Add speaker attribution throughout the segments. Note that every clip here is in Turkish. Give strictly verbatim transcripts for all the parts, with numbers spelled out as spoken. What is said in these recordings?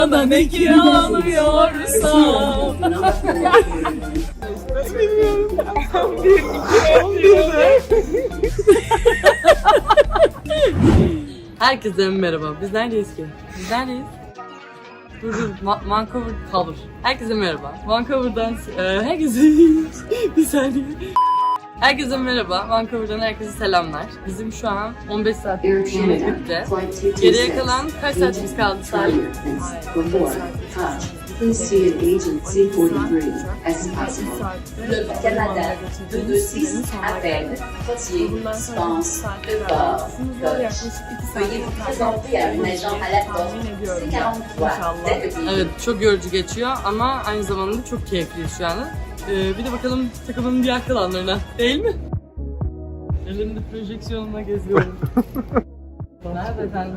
Speaker 1: Bana ne kiralıyorsam. Bilmiyorum. Bir, iki, on birde. Herkese merhaba. Biz neredeyiz ki? Biz neredeyiz? Dur dur. Ma- Vancouver cover. Herkese merhaba. Vancouver'dan e, herkese bir saniye. Herkese merhaba. Vancouver'dan herkese selamlar. Bizim şu an on beş saat uçuşumuz bitti. Geriye kalan kaç saatimiz kaldı Salim?
Speaker 2: Please see an agent C forty-three as possible. Le Canada de six à peine, Potier, Spence, Port, Gauche. Veuillez vous présenter à un agent à la porte C quarante-trois dès que
Speaker 1: Evet, çok yorucu geçiyor ama aynı zamanda çok keyifli şu an. Ee, bir de bakalım takımın diğer kalanlarına, değil mi? Elimde projeksiyonla geziyorum. Nerede efendim?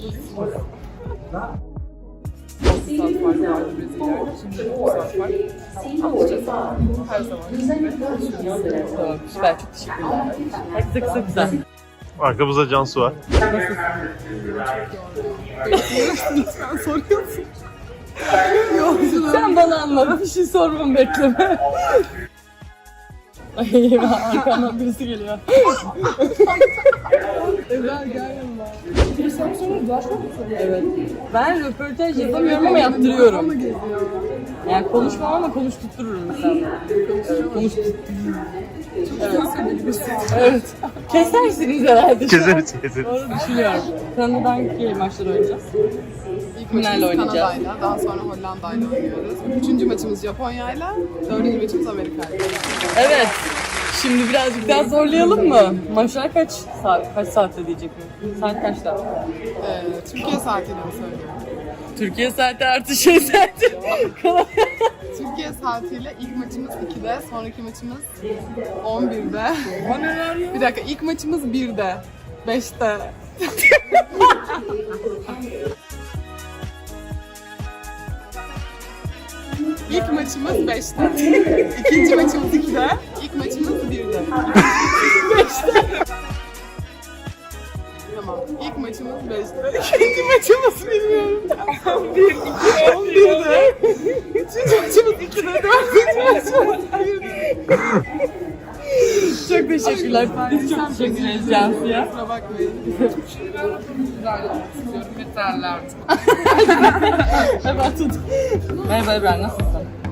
Speaker 1: Tamam, süper, çok teşekkürler. Herkese kısa kısa.
Speaker 3: Arkamızda Cansu var.
Speaker 1: Sen soruyorsun. Sen bana anlat, bir şey sormamı bekleme. Ay eyvah, arkamdan birisi geliyor. Ebrar gel yanıma. Bir sen sonra dolaşmak mı soruyorsun? Evet. Ben röportaj yapamıyorum ama yaptırıyorum. Yani konuşmam ama konuşturtururum mesela. Konuşturtururum. Evet. Evet. Kesersiniz herhalde.
Speaker 3: Keseriz keseriz.
Speaker 1: Doğru düşünüyorum. Kanada'dan hangi maçları oynayacağız?
Speaker 4: İlk
Speaker 1: Kimlerle
Speaker 4: maçımız
Speaker 1: oynayacağız?
Speaker 4: Kanada'yla, daha sonra Hollanda'yla oynuyoruz. Üçüncü maçımız Japonya'yla, dördüncü maçımız Amerika'yla.
Speaker 1: Evet. Şimdi birazcık daha zorlayalım mı? Maçlar kaç saat, kaç saatte diyecek mi? Saat kaçta?
Speaker 4: Ee, Türkiye saatiyle mi söylüyorum?
Speaker 1: Türkiye saati artı şey saati.
Speaker 4: Türkiye saatiyle ilk maçımız ikide, sonraki maçımız on birde.
Speaker 1: O neler ya?
Speaker 4: Bir dakika, ilk maçımız birde, beşte. İlk maçımız beşte. İkinci maçımız ikide, ilk maçımız birde. Beşte. Tamam, ilk maçımız beşte. İkinci maçımız bilmiyorum. Bir, iki, on birde. Üçüncü maçımız ikide, dördüncü maçımız birde.
Speaker 1: Çok teşekkürler. Biz çok teşekkür ederiz Cansu'ya.
Speaker 4: Kusura bakmayın. Yeterli artık.
Speaker 1: Hemen tut. Merhaba Ebrar, nasılsın?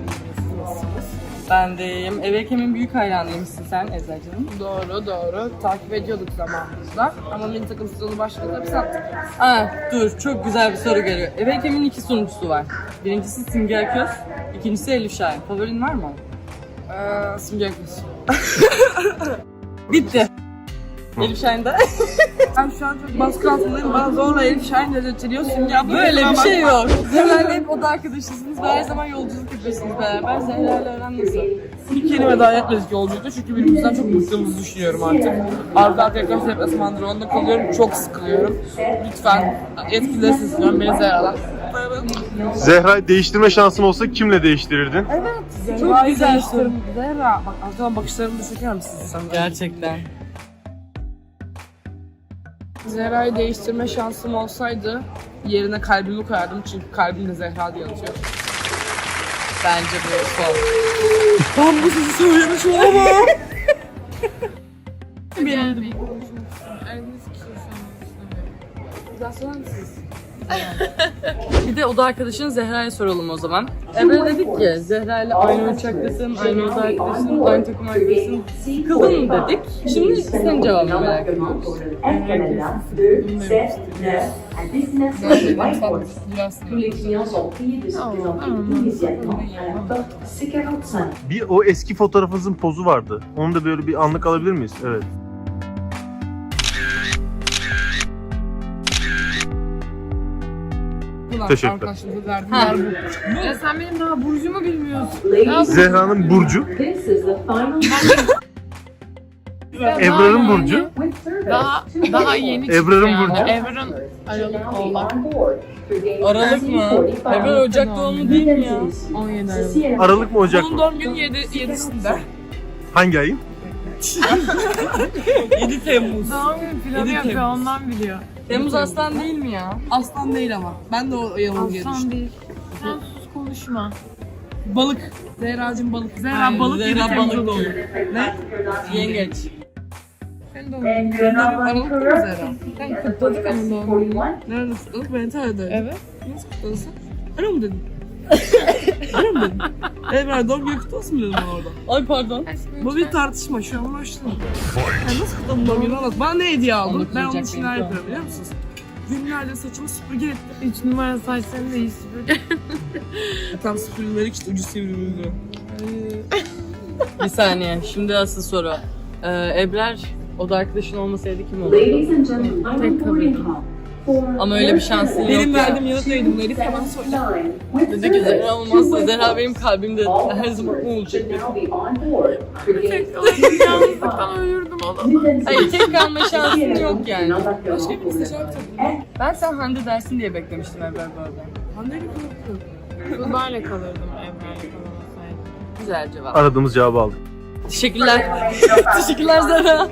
Speaker 1: Ben deyim. Ev Ekim'in büyük hayranıymışsın sen Eczacığım.
Speaker 5: Doğru doğru. Takip ediyorduk zamanımızda. Ama milli takım sezonu başladı. Biz attık.
Speaker 1: Aa, dur çok güzel bir soru geliyor. Ev Ekim'in iki sunucusu var. Birincisi Simge Köz, ikincisi Elif Şahin. Favorin var mı?
Speaker 5: Ee, Simge Akız.
Speaker 1: Bitti. Elif Şahin de.
Speaker 5: Ben şu an çok baskı altındayım. Bana zorla Elif Şahin dedirtiliyor. Simge abla
Speaker 1: Böyle bir
Speaker 5: kusura
Speaker 1: şey
Speaker 5: bakma.
Speaker 1: yok. Zehra hep oda arkadaşısınız ve her zaman yolculuk yapıyorsunuz beraber. Zehra ile aran nasıl?
Speaker 5: İlk kelime daha yapmadık yolculukta çünkü birbirimizden çok bıktığımızı düşünüyorum artık. Arka arkaya kaç deplasmandır onda kalıyorum. Çok sıkılıyorum. Lütfen yetkilileri sesleniyorum. Beni Zehra'dan.
Speaker 3: Zehra'yı değiştirme şansın olsa kimle değiştirirdin?
Speaker 1: Çok güzel soru.
Speaker 5: Zehra, bak arkadan bakışlarımı da çeker misin sen?
Speaker 1: Gerçekten.
Speaker 5: Zehra'yı değiştirme şansım olsaydı yerine kalbimi koyardım çünkü kalbim de Zehra diye atıyor.
Speaker 1: Bence bu son.
Speaker 5: Ben bu sesi söylemiş olamam.
Speaker 1: Bir de oda arkadaşın Zehra'ya soralım o zaman. Emre dedik ki Zehra ile aynı uçaktasın, aynı oda arkadaşın, aynı takım arkadaşın. Sıkıldın mı dedik. Şimdi senin cevabını merak ediyoruz.
Speaker 2: Canada deux, sept, neuf à destination de Whitehorse. Tous les clients sont priés de se présenter immédiatement à la porte C quarante-cinq.
Speaker 3: Bir o eski fotoğrafınızın pozu vardı. Onu da böyle bir anlık alabilir miyiz? Evet. Teşekkürler.
Speaker 5: Arkadaşımıza verdiler bu. Ya sen benim daha burcumu bilmiyorsun.
Speaker 2: Ladies,
Speaker 3: Zehra'nın burcu,
Speaker 2: this is the final
Speaker 3: Ebrar'ın burcu.
Speaker 2: with service
Speaker 4: Daha,
Speaker 2: to
Speaker 4: daha yeni çıktı
Speaker 3: Ebrar'ın
Speaker 4: yani.
Speaker 3: burcu.
Speaker 4: Ebrar'ın Aralık Oğlak.
Speaker 1: Aralık mı? Ebrar Ocak doğumlu değil mi ya?
Speaker 4: on yedi Aralık.
Speaker 3: Aralık mı Ocak
Speaker 5: Bunun
Speaker 3: mı?
Speaker 5: doğum günü yedisinde.
Speaker 3: Hangi ayın?
Speaker 1: yedi Temmuz.
Speaker 4: Doğum günü planı
Speaker 1: Yedi
Speaker 4: yapıyor
Speaker 1: Temmuz.
Speaker 4: ondan biliyor.
Speaker 1: Temmuz aslan değil mi ya?
Speaker 5: Aslan değil ama. Ben de o yanılgıya düştüm.
Speaker 4: Aslan değil. Sen sus konuşma.
Speaker 5: Balık. Zehra'cığım balık. Zehra
Speaker 1: Hayır,
Speaker 5: balık
Speaker 1: Zehra
Speaker 5: yedi
Speaker 1: balık
Speaker 5: Temmuz'da
Speaker 1: değil.
Speaker 5: doğdu. Ne?
Speaker 1: Yengeç.
Speaker 4: Sen de onu.
Speaker 5: Sen de aralık mı Zehra?
Speaker 4: Sen kutladık ama doğum gününü.
Speaker 5: Nerede kutladık? Ben Antalya'daydım.
Speaker 4: Evet.
Speaker 5: Nasıl kutladın sen? Ara mı dedin? Ara mı dedin? Evet ben doğum günü kutlu olsun dedim ben orada.
Speaker 1: Ay pardon.
Speaker 5: Bu bir tartışma şu an başladı. Yani nasıl kutladın doğum günü anlat. Bana ne hediye aldın?
Speaker 1: Onu
Speaker 5: Ben onun
Speaker 1: kutlayacak
Speaker 5: için neler
Speaker 1: benim.
Speaker 5: yapıyorum biliyor musunuz? Günlerce saçımı süpürge ettim.
Speaker 4: Üç numara saçlarını da iyi süpürdün.
Speaker 5: Tam süpürülmelik işte ucu sivrildi.
Speaker 1: Bir saniye. Şimdi asıl soru. Ee, Ebrar oda arkadaşın olmasaydı kim olurdu?
Speaker 2: Ladies and gentlemen,
Speaker 4: Tek kalırdım.
Speaker 1: Ama öyle bir şansın yok
Speaker 5: Benim
Speaker 1: ya.
Speaker 5: verdiğim yanıt neydi? Elif hemen söyle.
Speaker 1: Dedi ki Zehra olmazsa Zehra benim kalbimde her zaman olacak.
Speaker 4: Yalnızlıktan ölürdüm oğlum.
Speaker 1: Hayır tek kalma şansın yok yani.
Speaker 5: Başka bir isteyeceğim tabii.
Speaker 1: Ben sen Hande dersin diye beklemiştim Ebrar bu arada.
Speaker 5: Hande gibi korkuyorum.
Speaker 4: Tuğba'yla kalırdım Emre'yle kalamasaydım.
Speaker 1: Güzel cevap.
Speaker 3: Aradığımız cevabı aldık.
Speaker 1: Teşekkürler. Teşekkürler Zehra.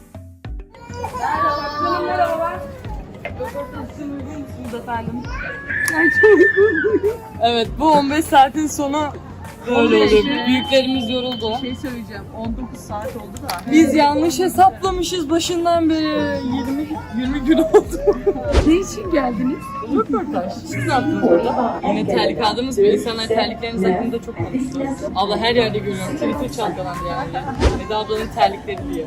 Speaker 1: Evet bu on beş saatin sonu böyle
Speaker 4: on beş
Speaker 1: oldu.
Speaker 4: mi?
Speaker 1: Büyüklerimiz yoruldu.
Speaker 4: Şey söyleyeceğim. on dokuz saat oldu da.
Speaker 1: Biz yanlış hesaplamışız başından beri. yirmi yirmi gün oldu.
Speaker 4: Ne için geldiniz?
Speaker 1: Röportaj. Siz ne yaptınız orada? Yine terlik aldığımız bir insanlar terlikleriniz hakkında çok konuştu. Abla her yerde görüyorum. Twitter çalkalandı yani. Eda ablanın terlikleri diye.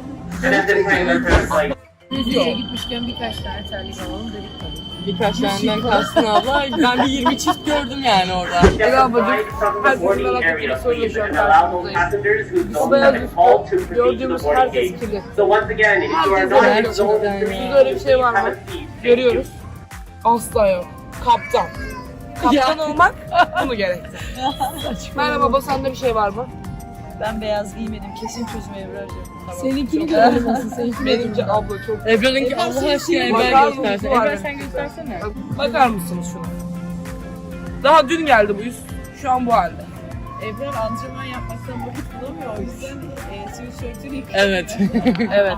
Speaker 4: Müziğe gitmişken birkaç tane terlik alalım dedik tabii.
Speaker 1: Birkaç taneden kastın abla. Ben bir yirmi çift gördüm yani orada.
Speaker 5: Evet ablacık. Herkesin merak ettiği soruyla şu an karşınızdayız. O beyaz üstü gördüğümüz herkes kirli.
Speaker 1: Gerçekten
Speaker 5: Sizde
Speaker 1: ya.
Speaker 5: öyle bir şey var mı? Görüyoruz. Asla yok. Kaptan. Kaptan olmak bunu gerekti. Merhaba baba sende bir şey var mı?
Speaker 1: Ben beyaz giymedim. Kesin çözüm Ebrar'cığım.
Speaker 4: Seninkini görelim nasıl? Seninkini
Speaker 5: Benimki abla çok.
Speaker 1: Ebrar'ınki Allah aşkına
Speaker 5: Bakar
Speaker 1: Ebrar
Speaker 5: mısın?
Speaker 1: göstersen.
Speaker 5: Var
Speaker 1: Ebrar
Speaker 5: ya.
Speaker 1: sen göstersene.
Speaker 5: Bakar mısınız şuna? Daha dün geldi bu yüz. Şu an bu halde.
Speaker 4: Ebrar antrenman yapmaktan vakit bulamıyor. O yüzden e, sweatshirt'ünü yıkıyor.
Speaker 1: Evet.
Speaker 5: Evet.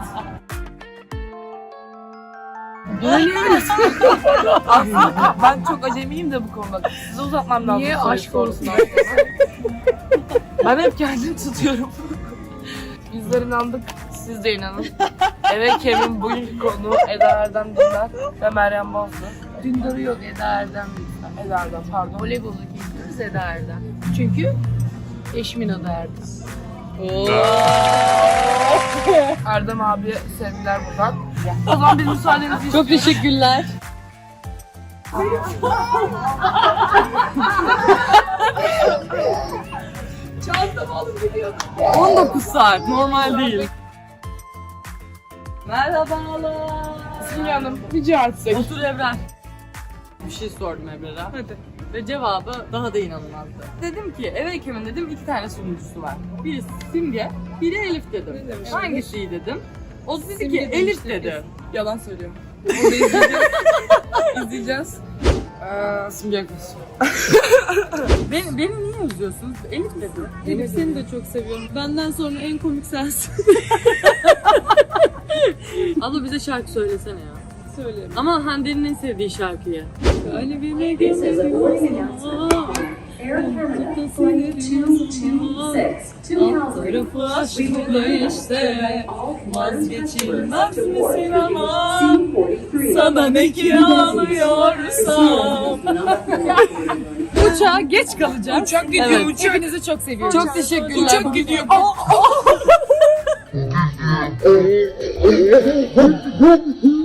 Speaker 5: Aslında ben çok acemiyim de bu konuda. Size uzatmam lazım.
Speaker 4: Niye?
Speaker 5: soruyu
Speaker 4: Aşk olsun.
Speaker 5: sorusunu. Ben hep kendimi tutuyorum. Bizler inandık, siz de inanın. Evet Kevin bugünkü konu Eda Erdem Dündar ve Meryem Bozdu.
Speaker 4: Dündarı yok Eda Erdem lütfen.
Speaker 5: Eda Erdem pardon.
Speaker 4: Voleybolu gidiyoruz Eda Erdem. Çünkü eşimin adı Erdem.
Speaker 1: Oo.
Speaker 5: Erdem abiye sevgiler buradan. O zaman biz müsaadenizi
Speaker 1: Çok teşekkürler.
Speaker 4: Çantamı alıp gidiyordum.
Speaker 1: on dokuz saat normal değil. Merhabalar.
Speaker 5: Simge Hanım rica etsek.
Speaker 1: Otur Ebrar. Bir şey sordum Ebrar'a.
Speaker 5: Hadi.
Speaker 1: Ve cevabı daha da inanılmazdı. Dedim ki eve Ekim'in dedim iki tane sunucusu var. Biri Simge, biri Elif dedim.
Speaker 5: Ne demiş?
Speaker 1: Hangisi iyi dedim. O dedi
Speaker 4: Simge
Speaker 1: ki Elif
Speaker 4: demişti.
Speaker 1: dedi.
Speaker 5: Yalan söylüyorum. Onu izleyeceğiz. İzleyeceğiz. Ee, Simge kız.
Speaker 1: Beni, beni niye üzüyorsunuz? Elif dedi.
Speaker 4: Elif seni de çok seviyorum. Benden sonra en komik sensin.
Speaker 1: Abla bize şarkı söylesene ya.
Speaker 4: Söylerim.
Speaker 1: Ama Hande'nin en sevdiği şarkıyı.
Speaker 4: Kalbime
Speaker 2: This is a voice
Speaker 4: gömüyorum.
Speaker 2: announcement. Air Canada Flight two two six to Calgary.
Speaker 1: Tarafı
Speaker 2: We will
Speaker 1: aşkla
Speaker 2: be
Speaker 1: işte.
Speaker 2: all
Speaker 1: Vazgeçilmez
Speaker 2: to
Speaker 1: misin
Speaker 2: board
Speaker 1: ama?
Speaker 2: C forty-three.
Speaker 1: Sana ne kiralıyorsam. Uçağa geç kalacağım.
Speaker 5: Uçak gidiyor
Speaker 1: Evet.
Speaker 5: uçak.
Speaker 4: Hepinizi çok seviyorum.
Speaker 1: Çok teşekkürler.
Speaker 5: Uçak gidiyor. Aa!